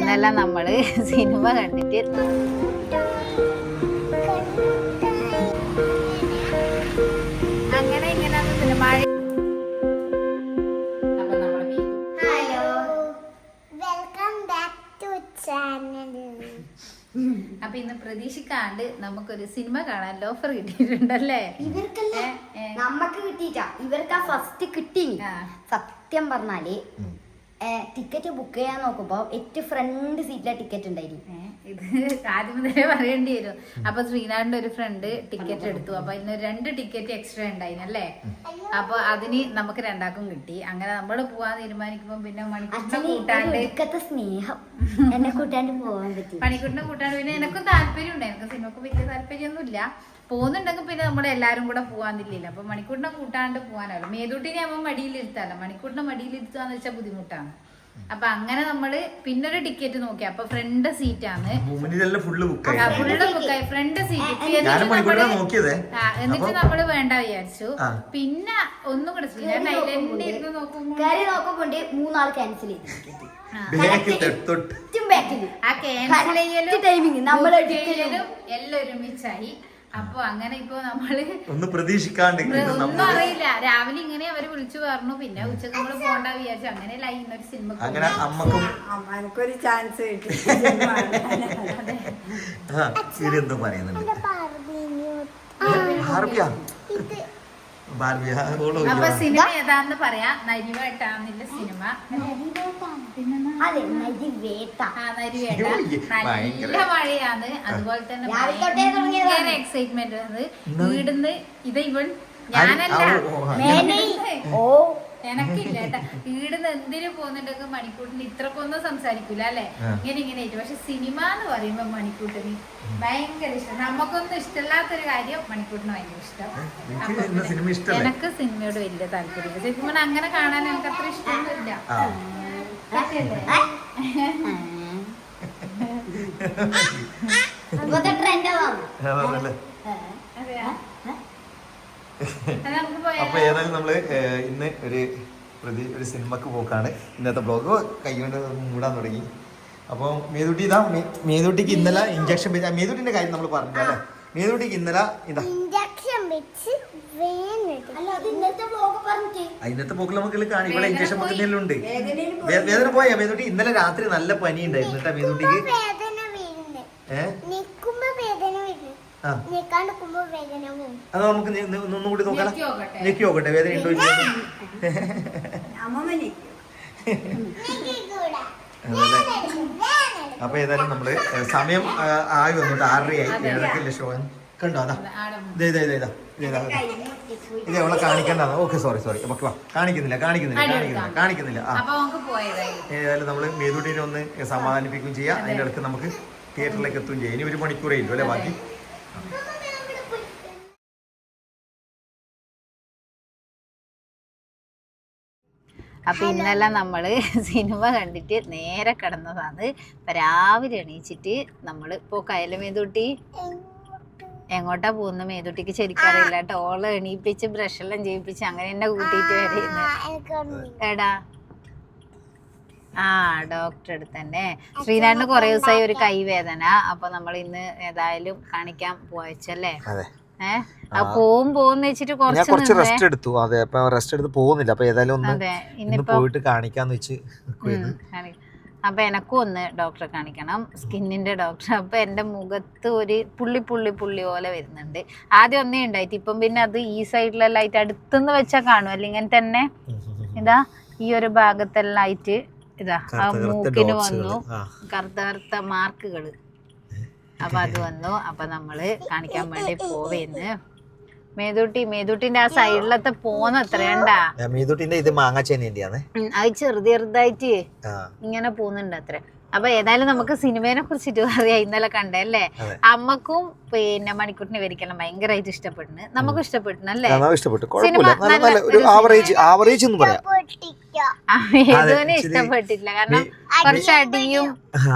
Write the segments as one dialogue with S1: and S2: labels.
S1: ഇന്നെല്ലാം നമ്മള് സിനിമ കണ്ടിട്ട് അങ്ങനെ ഇങ്ങനെ സിനിമ. അപ്പൊ ഇന്ന് പ്രതീക്ഷിക്കാണ്ട് നമുക്കൊരു സിനിമ കാണാൻ ഓഫർ കിട്ടിയിട്ടുണ്ടല്ലേ.
S2: നമ്മക്ക് കിട്ടിയിട്ടാ, ഇവർക്ക് ഫസ്റ്റ് കിട്ടി. സത്യം പറഞ്ഞാല് ടിക്കറ്റ് ബുക്ക് ചെയ്യാൻ നോക്കുമ്പോ ഏറ്റവും ഫ്രണ്ട് സീറ്റിലെ ടിക്കറ്റ് ഉണ്ടായിരുന്നു.
S1: ഇത് ആദ്യം മുതലേ പറയേണ്ടി വരും. അപ്പൊ ശ്രീനാഥിന്റെ ഒരു ഫ്രണ്ട് ടിക്കറ്റ് എടുത്തു. അപ്പൊ ഇന്ന് 2 ടിക്കറ്റ് എക്സ്ട്രാ ഉണ്ടായിരുന്നല്ലേ. അപ്പൊ അതിന് നമുക്ക് 2ആൾക്കും കിട്ടി. അങ്ങനെ നമ്മള് പോവാൻ തീരുമാനിക്കുമ്പോ പിന്നെ മണിക്കൂറിനെ കൂട്ടാണ്ട്
S2: സ്നേഹം എന്നെ കൂട്ടാണ്ട് പോവാൻ പറ്റി.
S1: മണിക്കൂറിനെ കൂട്ടാണ്ട് പിന്നെ എനക്കും താല്പര്യം ഉണ്ട്. എനിക്ക് സിനിമക്ക് വലിയ താല്പര്യമൊന്നുമില്ല. പോകുന്നുണ്ടെങ്കിൽ പിന്നെ നമ്മളെല്ലാരും കൂടെ പോവാന്നില്ല. അപ്പൊ മണിക്കൂറിനെ കൂട്ടാണ്ട് പോകാനല്ലോ. മേതൂട്ടിനെ ആവുമ്പോൾ മടിയിലിരുത്താലോ. മണിക്കൂറിനെ മടിയിലിരുത്താന്ന് വെച്ചാൽ ബുദ്ധിമുട്ടാണ്. അപ്പൊ അങ്ങനെ നമ്മള് പിന്നൊരു ടിക്കറ്റ് നോക്കി. അപ്പൊ ഫ്രണ്ട് സീറ്റാണ്, ഫുള്ള് ബുക്കായി ഫ്രണ്ട് സീറ്റ്. എന്നിട്ട് നമ്മള് വേണ്ട വിചാരിച്ചു. പിന്നെ ഒന്നും കൂടെ ശ്രീനാഥ് നോക്കുമ്പോ
S2: 3 ആൾ ക്യാൻസൽ ചെയ്തു.
S1: ആ ക്യാൻസൽ ചെയ്യലും എല്ലാം ഒരുമിച്ചായി. അപ്പൊ അങ്ങനെ ഇപ്പൊ നമ്മള് ഒന്നും പ്രതീക്ഷിക്കാണ്ട് ഒന്നും അറിയില്ല. രാവിലെ ഇങ്ങനെ അവര് വിളിച്ചു പറഞ്ഞു. പിന്നെ ഉച്ചക്ക് നമ്മള് പോണ്ട വിചാരിച്ചു. അങ്ങനെയല്ല ഇന്നൊരു സിനിമ
S3: അമ്മക്കൊരു ചാൻസ് കിട്ടി.
S1: അപ്പൊ സിനിമ ഏതാന്ന് പറയാ. നരിവേട്ടാന്നില്ല സിനിമ. നല്ല മഴയാണ്. അതുപോലെ തന്നെ ഭയങ്കര എക്സൈറ്റ്മെന്റ് ആണ്. വീടിന്ന് ഇത് ഇവൻ ഞാനല്ല എനക്കില്ല കേട്ടാ. വീടിന്ന് എന്തിനു പോകുന്നുണ്ടെങ്കിൽ മണിക്കൂട്ടിന് ഇത്രക്കൊന്നും സംസാരിക്കൂല അല്ലെ. ഇങ്ങനെ ആയിട്ട്. പക്ഷെ സിനിമ എന്ന് പറയുമ്പോ മണിക്കൂട്ടിന് ഭയങ്കര ഇഷ്ടം. നമുക്കൊന്നും ഇഷ്ടമില്ലാത്തൊരു കാര്യം മണിക്കൂട്ടിന് ഭയങ്കര ഇഷ്ടം. എനക്ക് സിനിമയോട് വലിയ താല്പര്യം. ശരിക്കും അങ്ങനെ കാണാൻ എനിക്ക് അത്ര ഇഷ്ടമൊന്നുമില്ല.
S4: അപ്പൊ ഏതായാലും നമ്മള് ഇന്ന് ഒരു സിനിമക്ക് പോക്കാണ്. ഇന്നത്തെ ബ്ലോഗ് കൈകൊണ്ട് മൂടാൻ തുടങ്ങി. അപ്പൊ മേതൂട്ടിക്ക് ഇന്നലെ ഇഞ്ചക്ഷൻ വെച്ച മേതൂട്ടിന്റെ കാര്യം നമ്മൾ പറഞ്ഞു അല്ലേ. മേതൂട്ടിക്ക് ഇന്നലെ ഇന്നത്തെ പോക്കിൽ നമുക്ക് കാണാം. ഇവിടെ ഇഞ്ചക്ഷൻ വെക്കുന്നതിലും ഉണ്ട്. വേദന പോയാ മേതൂട്ടി? ഇന്നലെ രാത്രി നല്ല പനി ഉണ്ടായിരുന്നു കേട്ടാ മേതൂട്ടിക്ക്. അത് നമുക്ക് ഒന്നുകൂടി നോക്കാം. ഞെക്കി നോക്കട്ടെ വേദന ഉണ്ടോ. അപ്പൊ ഏതായാലും നമ്മള് സമയം ആയി വന്നിട്ട് 6:30 ആയി. 7:30 ഷോ കണ്ടോ. അതാ ഇത് അവളെ കാണിക്കണ്ട. ഓക്കെ സോറി നമുക്ക് കാണിക്കുന്നില്ല. ഏതായാലും നമ്മള് മേതൂട്ടിനെ ഒന്ന് സമാധാനിപ്പിക്കുകയും ചെയ്യാം. അതിന്റെ അടുത്ത് നമുക്ക് തിയേറ്ററിലേക്ക് എത്തുകയും ചെയ്യാം. ഇനി 1 മണിക്കൂറേ ഇല്ലു അല്ലെ ബാക്കി.
S1: അപ്പൊ ഇന്നെല്ലാം നമ്മള് സിനിമ കണ്ടിട്ട് നേരെ കിടന്നതാണ്. ഇപ്പൊ രാവിലെ എണീച്ചിട്ട് നമ്മള് ഇപ്പൊ മേതൂട്ടി എങ്ങോട്ടാ പോകുന്ന മേതൂട്ടിക്ക് ശരിക്കറിയില്ല കേട്ടോ. ഓളെ എണീപ്പിച്ച് ബ്രഷെല്ലാം ചെയ്യിപ്പിച്ച് അങ്ങനെ എന്നെ കൂട്ടിയിട്ട് വരുന്നത്. എടാ ഡോക്ടറെ അടുത്ത് തന്നെ. ശ്രീനാഥിന് കുറെ ദിവസമായി ഒരു കൈവേദന. അപ്പൊ നമ്മൾ ഇന്ന് ഏതായാലും കാണിക്കാൻ പോയച്ചല്ലേ. പോകുന്ന വെച്ചിട്ട്
S4: കുറച്ച് റെസ്റ്റ് എടുത്തു. അതെ, അപ്പൊ റെസ്റ്റ് എടുത്ത് പോകുന്നില്ല. അപ്പൊ ഏതായാലും ഒന്ന് പോയിട്ട് കാണിക്കാന്ന് വെച്ച്.
S1: അപ്പൊ എനക്കും ഒന്ന് ഡോക്ടറെ കാണിക്കണം, സ്കിന്നിന്റെ ഡോക്ടർ. അപ്പൊ എന്റെ മുഖത്ത് ഒരു പുള്ളി പോലെ വരുന്നുണ്ട്. ആദ്യം ഒന്നേ ഉണ്ടായിട്ട് ഇപ്പം പിന്നെ അത് ഈ സൈഡിലെല്ലാം ആയിട്ട് അടുത്തുനിന്ന് വെച്ചാൽ കാണും. അല്ലെങ്കിൽ തന്നെ ഇതാ ഈ ഒരു ഭാഗത്തെല്ലാം ആയിട്ട് ഇതാ ആ മൂക്കിന് വന്നു കറുത്ത മാർക്കുകള്. അപ്പൊ അത് വന്നു. അപ്പൊ നമ്മള് കാണിക്കാൻ വേണ്ടി പോവേന്ന്. മേതൂട്ടിന്റെ ആ സൈഡിലത്തെ പോന്ന എത്രയണ്ടാ.
S4: മേതൂട്ടിന്റെ ഇത് മാങ്ങാച്ചേനേന്റെയാണ്.
S1: അത് ചെറുതായിട്ട് ഇങ്ങനെ പോകുന്നുണ്ട് അത്ര. അപ്പൊ ഏതായാലും നമുക്ക് സിനിമയെ കുറിച്ചിട്ട് പറയാം. ഇന്നലെ കണ്ടല്ലേ. അമ്മക്കും പിന്നെ മണിക്കൂട്ടിനെ വരിക്കണം ഭയങ്കരമായിട്ട് ഇഷ്ടപ്പെടുന്നു. നമുക്കും ഇഷ്ടപ്പെട്ടല്ലേ മേതുവിനെ ഇഷ്ടപ്പെട്ടില്ല. കാരണം കുറച്ച് അടിയും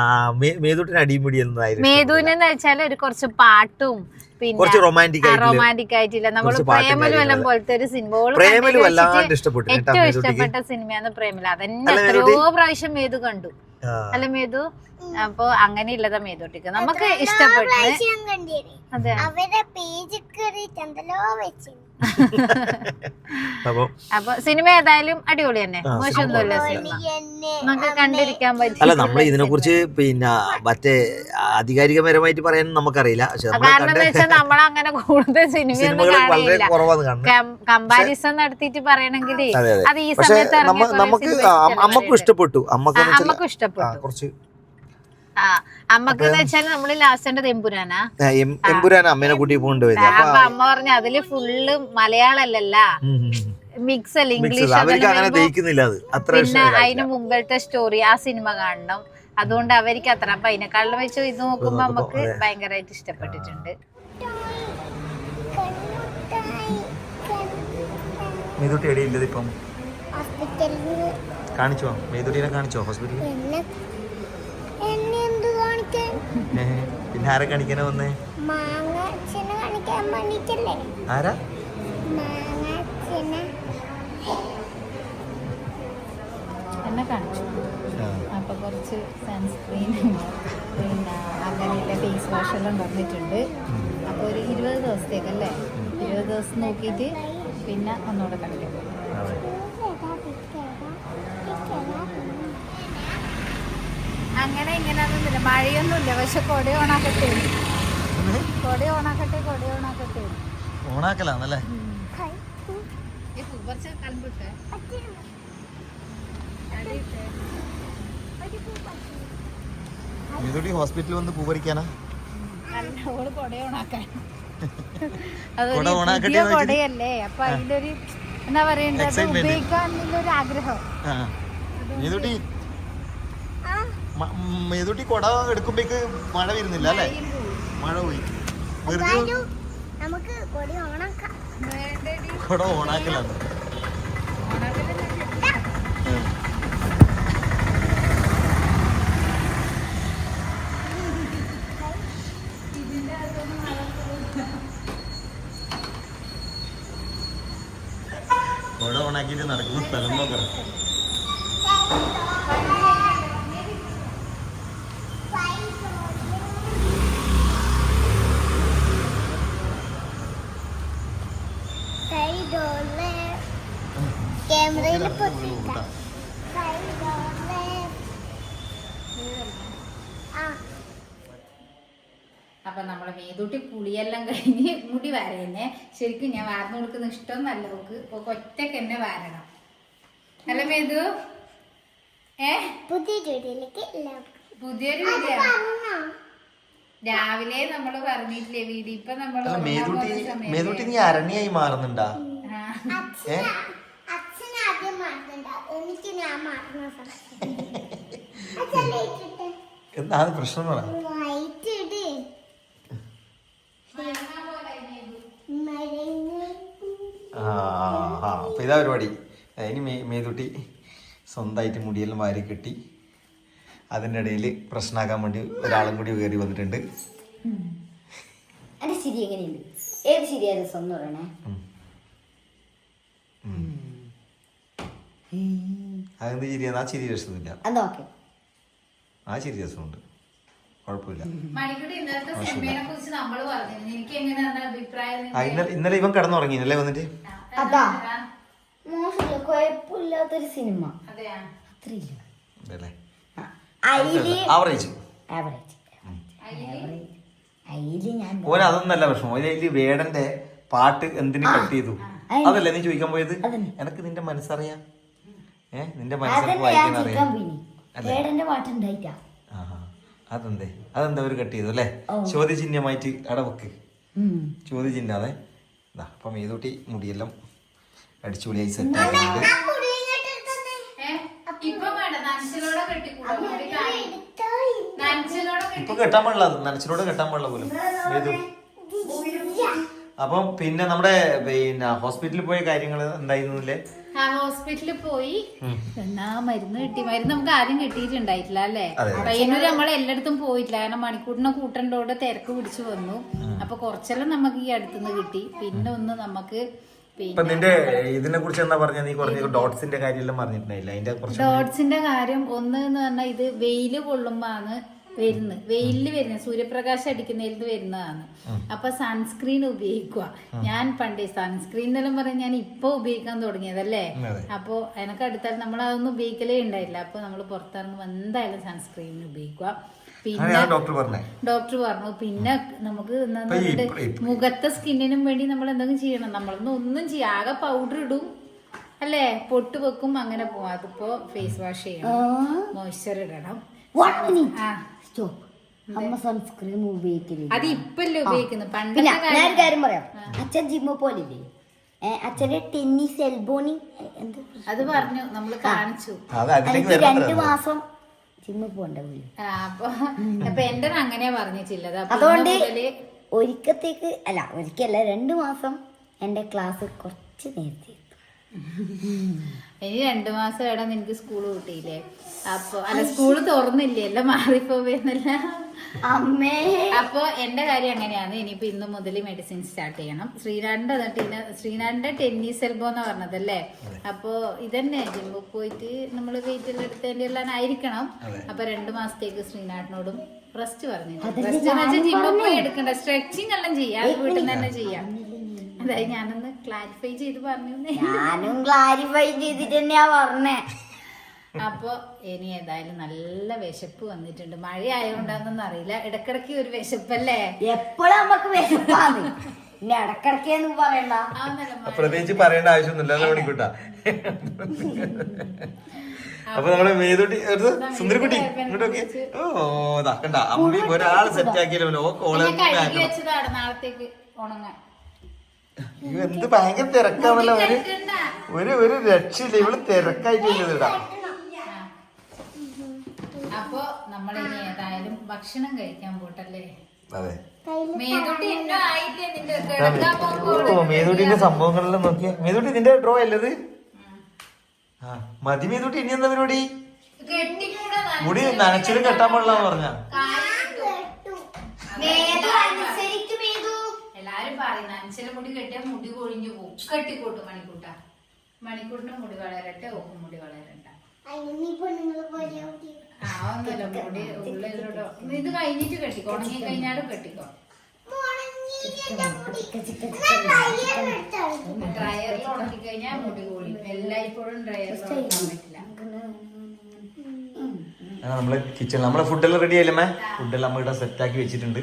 S1: മേതുവിനെന്ന് വെച്ചാൽ ഒരു കുറച്ച് പാട്ടും പിന്നെ റൊമാൻറ്റിക് ആയിട്ടില്ല. നമ്മള് പ്രേമലുവെല്ലാം പോലത്തെ ഒരു സിനിമ ഏറ്റവും ഇഷ്ടപ്പെട്ട സിനിമയാണ് പ്രേമല. അതന്നെ എത്രയോ പ്രാവശ്യം മേതു കണ്ടു. അല്ല മേതു. അപ്പൊ അങ്ങനെ ഇല്ലതാ മേതോട്ടിക്ക് നമുക്ക് ഇഷ്ടപ്പെട്ടു. അതെ
S5: അവരുടെ പേജ് കയറിയിട്ട് എന്തെല്ലോ വെച്ചു.
S1: അപ്പൊ സിനിമ ഏതായാലും അടിപൊളി തന്നെ, മോശമൊന്നുമില്ല സിനിമ, നമുക്ക് കണ്ടിരിക്കാൻ പറ്റും.
S6: അല്ല നമ്മൾ ഇതിനെ കുറിച്ച് പിന്നെ മറ്റേ ആധികാരികപരമായിട്ട് പറയാൻ നമുക്കറിയില്ല.
S1: കാരണം എന്താ വെച്ചാൽ നമ്മളങ്ങനെ കൂടുതൽ സിനിമയൊന്നും കാണില്ല. കമ്പാരിസൺ നടത്തിയിട്ട് പറയണെങ്കിൽ അത് ഈ സമയത്ത്
S6: നമുക്ക് അമ്മക്കും ഇഷ്ടപ്പെട്ടു.
S1: അമ്മക്കും ഇഷ്ടപ്പെട്ടു.
S6: കുറച്ച്
S1: അമ്മക്ക് വെച്ചാല് നമ്മള് ലാസ്റ്റ് എമ്പുരാനാ
S6: അമ്മേനെ കൂട്ടി കൊണ്ടുപോയത്.
S1: അപ്പൊ അമ്മ പറഞ്ഞു അതില് ഫുള്ള് മലയാളല്ല, മിക്സ് അല്ല, ഇംഗ്ലീഷ്. പിന്നെ അതിന് മുമ്പത്തെ സ്റ്റോറി ആ സിനിമ കാണണം, അതുകൊണ്ട് അവർക്ക് അത്ര. അപ്പൊ അതിനെക്കാളും വെച്ച് ഇത് നോക്കുമ്പോ നമുക്ക് ഭയങ്കരമായിട്ട് ഇഷ്ടപ്പെട്ടിട്ടുണ്ട്.
S4: കാണിച്ചോ മേതുട്ടീനെ കാണിച്ചോ ഹോസ്പിറ്റലിൽ? പിന്നെ ആരെ കാണിക്കാനാ വന്നേ? ആരാ?
S1: എന്നെ കാണിച്ചു. അപ്പൊ കുറച്ച് സൺസ്ക്രീൻ പിന്നെ അങ്ങനെയുള്ള ഫേസ് വാഷ് എല്ലാം തന്നിട്ടുണ്ട്. അപ്പൊ ഒരു 20 ദിവസത്തേക്കല്ലേ, 20 ദിവസം നോക്കിയിട്ട് പിന്നെ ഒന്നുകൂടെ കാണിക്കാൻ പോകും. അങ്ങനെ ഇങ്ങനെയൊന്നുമില്ല, മഴയൊന്നുമില്ല. പക്ഷെ കൊട ഓണാക്കട്ടെ, കൊട ഓണാക്കട്ടെ, കൊട ഓണാക്കട്ടെ.
S4: ഓണാക്കലാന്നല്ലേ?
S1: കുറച്ച് കണ്ടിട്ടെ
S4: മേതുട്ടി ഹോസ്പിറ്റലിൽ വന്ന് പൂ പറിക്കാനാ?
S1: ഓള് കൊട ഓണാക്കാൻ. അതൊരു കൊടയല്ലേ, അപ്പൊ അതിന്റെ ഒരു എന്താ പറയണ്ടത്, ഉപയോഗിക്കാനുള്ളൊരു ആഗ്രഹം.
S4: മേതുട്ടി മേതുട്ടി കൊട എടുക്കുമ്പോഴേക്ക് മഴ വരുന്നില്ല അല്ലേ? മഴ പോയി.
S5: നമുക്ക്
S4: കൊട ഓണാക്കലാണ്. കൊട ഓണാക്കിയിട്ട് നടക്കുന്ന സ്ഥലം നോക്കണം.
S5: ക്യാമറയിൽ
S1: അപ്പൊ നമ്മളെ മേതൂട്ടി കുളിയെല്ലാം കഴിഞ്ഞ് മുടി വാരന്നെ. ശരിക്കും ഞാൻ വാർന്നു കൊടുക്കുന്ന ഇഷ്ടമൊന്നല്ല അവക്ക്, ഒറ്റക്ക് എന്നെ വാരണം അല്ല മേതു? പുതിയൊരു വീഡിയോ രാവിലെ നമ്മള് പറഞ്ഞിട്ടില്ലേ വീഡിയോ. ഇപ്പൊ നമ്മള്
S4: മേതുട്ടി നീ അരണ്യായി മാറുന്നുണ്ടാ? എന്താണ് പ്രശ്നം പറ? അപ്പൊ ഇതാ പരിപാടി. ഇനി മേതുട്ടി സ്വന്തമായിട്ട് മുടിയെല്ലാം വാരി കെട്ടി. അതിൻ്റെ ഇടയിൽ പ്രശ്നമാക്കാൻ വേണ്ടി ഒരാളും കൂടി കയറി വന്നിട്ടുണ്ട്.
S2: എന്റെ ശരി എങ്ങനെയുണ്ട്? ഏത് ശരിയാ രസം എന്ന് പറയണേ?
S4: അതെന്ത് ചിരിയാണ്? ആ ചിരി രസമില്ല.
S2: അതാ ഓക്കെ,
S4: ആ ചിരി രസമുണ്ട്, കുഴപ്പമില്ല. ഇന്നലെ ഇവൻ കിടന്നുറങ്ങിയല്ലേ വന്നിട്ട്?
S2: അതാ മോശമില്ല, കുഴപ്പമില്ലാത്തൊരു സിനിമ. അത്രയില്ല,
S4: ആവറേജ്. ഓരോ അതൊന്നല്ല പ്രശ്നം. അതില് വേടന്റെ പാട്ട് എന്തിനു കട്ട് ചെയ്തു അതല്ലേ നീ ചോദിക്കാൻ പോയത്? എനക്ക് നിന്റെ മനസ്സറിയാം, നിന്റെ മനസ്സിൽ വായിക്കാൻ അറിയാം. അതെന്തേ അതെന്താ ഒരു കട്ട് ചെയ്തു അല്ലേ? ചോദ്യചിഹ്നമായിട്ട് അടവക്ക്, ചോദ്യചിഹ്നം. അതെ അപ്പൊ മേതൂട്ടി മുടിയെല്ലാം അടിച്ചുപൊളിയായി സെറ്റ് ആയിട്ടുണ്ട്. ഇപ്പൊ കെട്ടാൻ പാടില്ല, നനച്ചിലൂടെ കെട്ടാൻ പാടില്ല പോലും മേതു. അപ്പം പിന്നെ നമ്മുടെ ഹോസ്പിറ്റലിൽ പോയ കാര്യങ്ങൾ എന്തായിരുന്നില്ലേ?
S1: ഹോസ്പിറ്റലിൽ പോയി എന്നാ മരുന്ന് കിട്ടി. മരുന്ന് നമുക്ക് ആദ്യം കിട്ടിയിട്ടുണ്ടായിട്ടില്ല അല്ലേ? പയ്യന്നൂര് നമ്മൾ എല്ലായിടത്തും പോയിട്ടില്ല, കാരണം മണിക്കൂറിനെ കൂട്ടേണ്ടോട് തിരക്ക് പിടിച്ചു വന്നു. അപ്പൊ കുറച്ചെല്ലാം നമുക്ക് ഈ അടുത്തുനിന്ന് കിട്ടി. പിന്നെ ഒന്ന് നമുക്ക്
S4: ഇപ്പൊ നിന്റെ ഇതിനെ കുറിച്ച് എന്താ പറഞ്ഞ, നീ കുറച്ച് ഡോട്ട്സിന്റെ കാര്യമെല്ലാം പറഞ്ഞിട്ടുണ്ടായില്ല, അതിന്റെ കുറച്ച്
S1: ഡോട്ട്സിന്റെ കാര്യം ഒന്ന് എന്ന് പറഞ്ഞാൽ ഇത് വെയില് കൊള്ളുമ്പോഴാണ് വരുന്നത്, വെയിലില് വരുന്നത്, സൂര്യപ്രകാശം അടിക്കുന്നതിൽ വരുന്നതാണ്. അപ്പൊ സൺസ്ക്രീൻ ഉപയോഗിക്കുക. ഞാൻ പണ്ടേ സൺസ്ക്രീൻ എന്നെല്ലാം പറഞ്ഞാൽ ഞാൻ ഇപ്പൊ ഉപയോഗിക്കാൻ തുടങ്ങിയതല്ലേ. അപ്പൊ എനക്ക് അടുത്താൽ നമ്മൾ അതൊന്നും ഉപയോഗിക്കലേ ഉണ്ടായില്ല. അപ്പൊ നമ്മൾ പുറത്തിറങ്ങുമ്പോൾ എന്തായാലും സൺസ്ക്രീൻ ഉപയോഗിക്കുക. പിന്നെ ഡോക്ടർ പറഞ്ഞു പിന്നെ നമുക്ക് മുഖത്തെ സ്കിന്നിനും വേണ്ടി നമ്മൾ എന്തെങ്കിലും ചെയ്യണം. നമ്മളൊന്നും ഒന്നും ചെയ്യാം, ആകെ പൗഡർ ഇടും അല്ലേ, പൊട്ട് വെക്കും, അങ്ങനെ പോവാം. അതിപ്പോ ഫേസ് വാഷ് ചെയ്യണം, മോയ്സ്ചർ ഇടണം.
S2: അമ്മ സൺസ്ക്രീൻ ഉപയോഗിക്കില്ല,
S1: അത് ഇപ്പല്ലേ ഉപയോഗിക്കുന്നത്. പണ്ട്
S2: ഞാൻ ഒരു കാര്യം പറയാം, അച്ഛൻ ജിമ്മ പോലില്ലേ, അച്ഛന്റെ ടെന്നീസ് എൽബോണി എന്ത്
S1: അത് പറഞ്ഞു, നമ്മള് കാണിച്ചു.
S2: 2 മാസം ജിമ്മ പോണ്ട.
S1: അപ്പൊ എന്റെ അങ്ങനെയാ പറഞ്ഞിട്ടുള്ളത്.
S2: അതുകൊണ്ട് ഒരിക്കത്തേക്ക് അല്ല, ഒരിക്കല്ല 2 മാസം എന്റെ ക്ലാസ് കുറച്ച് നേരത്തെ.
S1: ഇനി 2 മാസം ഇടാൻ നിനക്ക് സ്കൂള് കിട്ടിയില്ലേ? അപ്പൊ അല്ല, സ്കൂള് തുറന്നില്ലേ, എല്ലാം മാറിപ്പോന്നല്ല
S2: അമ്മേ.
S1: അപ്പൊ എന്റെ കാര്യം അങ്ങനെയാണ്. ഇനിയിപ്പോ ഇന്ന് മുതൽ മെഡിസിൻ സ്റ്റാർട്ട് ചെയ്യണം. ശ്രീനാടിന്റെ ടെന്നീസ് എൽബോ എന്ന് പറഞ്ഞതല്ലേ. അപ്പൊ ഇതന്നെ ജിമ്മിൽ പോയിട്ട് നമ്മള് വെയിറ്റ് എടുത്തതിന്റെ എല്ലാം ആയിരിക്കണം. അപ്പൊ 2 മാസത്തേക്ക് ശ്രീനാടിനോടും റെസ്റ്റ് പറഞ്ഞിട്ടുണ്ട്. റെസ്റ്റ് എന്ന് വെച്ചാൽ ജിമ്മിൽ പോയി എടുക്കണ്ട, സ്ട്രെച്ചിങ് എല്ലാം ചെയ്യാം, വീട്ടിൽ നിന്ന് തന്നെ ചെയ്യാം. അതായത് ഞാനൊന്ന് ക്ലാരിഫൈ ചെയ്ത് പറഞ്ഞു.
S2: ഞാനും ക്ലാരിഫൈ ചെയ്തിട്ട് തന്നെയാ പറഞ്ഞേ.
S1: അപ്പൊ ഇനി ഏതായാലും നല്ല വിശപ്പ് വന്നിട്ടുണ്ട്. മഴ ആയതുകൊണ്ടാണെന്നൊന്നും അറിയില്ല, ഇടക്കിടക്ക് ഒരു വിശപ്പല്ലേ.
S2: എപ്പോഴും നമുക്ക് വിശപ്പാണ്, പിന്നെ ഇടക്കിടക്കെന്ന് പറയണ്ട.
S4: പ്രത്യേകിച്ച് പറയേണ്ട ആവശ്യമൊന്നുമില്ല മണിക്കൂട്ടാ. അപ്പൊ നമ്മള് മേതൂട്ടി സുന്ദരിക്കുട്ടി ഇങ്ങോട്ടൊക്കെ കണ്ട അമ്മ ഒരാള് സെറ്റ് ആക്കിയല്ലോ.
S1: നാളത്തേക്ക് ഉണങ്ങാൻ
S4: എന്ത് ഭയങ്കര തിരക്കാണല്ലോ. ഒരു രക്ഷയില്ല, ഇവള് തിരക്കായിട്ട് ഇടാ.
S1: അപ്പൊ നമ്മളിനി ഏതായാലും ഭക്ഷണം കഴിക്കാൻ പോട്ടല്ലേ.
S4: അതെ, മേതൂട്ടിന്റെ സംഭവങ്ങളെല്ലാം നോക്കിയ. മേതൂട്ടി നിന്റെ ഡ്രോ അല്ലത്? മതി മേതൂട്ടി. ഇനി എന്താ പരിപാടി? മുടി നനച്ചിട്ട് കെട്ടാൻ പാടില്ലാന്ന് പറഞ്ഞ
S1: എല്ലാരും പറയുന്ന അഞ്ചല മുടി കെട്ടിയാൽ മുടി കൊഴിഞ്ഞു പോകും. കെട്ടിക്കോട്ടും മണിക്കൂട്ടിന് മുടി വളരട്ടെ, ഓക്കും മുടി വളരണ്ട. ഒന്നുമില്ല, മുടി ഉള്ളിലോട്ടോ. ഇത് കഴിഞ്ഞിട്ട് കെട്ടിക്കോ, ഉണങ്ങി കഴിഞ്ഞാലും കെട്ടിക്കോ. ഡ്രയറിൽ ഉണക്കി കഴിഞ്ഞാൽ മുടി കൊഴിയും. എല്ലായ്പ്പോഴും ഡ്രയറിൽ ഉണക്കാൻ പറ്റില്ല.
S4: നമ്മള് കിച്ചണിൽ നമ്മളെ ഫുഡെല്ലാം റെഡി ആയില്ലേ? ഫുഡെല്ലാം നമ്മ ഇവിടെ സെറ്റ് ആക്കി വെച്ചിട്ടുണ്ട്.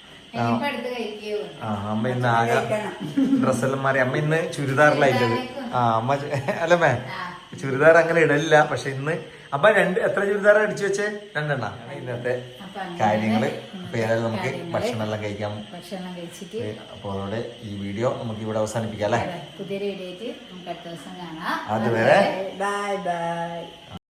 S4: അമ്മ ഇന്ന് ആകെ ഡ്രസ്സെല്ലാം മാറി. അമ്മ ഇന്ന് ചുരിദാറിലായിട്ടത്. അമ്മ അല്ലമ്മേ ചുരിദാർ അങ്ങനെ ഇടലില്ല. പക്ഷെ ഇന്ന് അപ്പൊ എത്ര ചുരിദാർ അടിച്ചു വെച്ചേ? 2 എണ്ണ. ഇന്നത്തെ കാര്യങ്ങള്. അപ്പൊ ഏതായാലും നമുക്ക് ഭക്ഷണം എല്ലാം കഴിക്കാം. അപ്പൊ അതോടെ ഈ വീഡിയോ നമുക്ക് ഇവിടെ അവസാനിപ്പിക്കാം അല്ലെ.
S1: പുതിയൊരു വീഡിയോ ആയിട്ട് നമുക്ക് അടുത്ത ദിവസം കാണാം.
S4: അതുവരെ
S3: ബൈ ബൈ.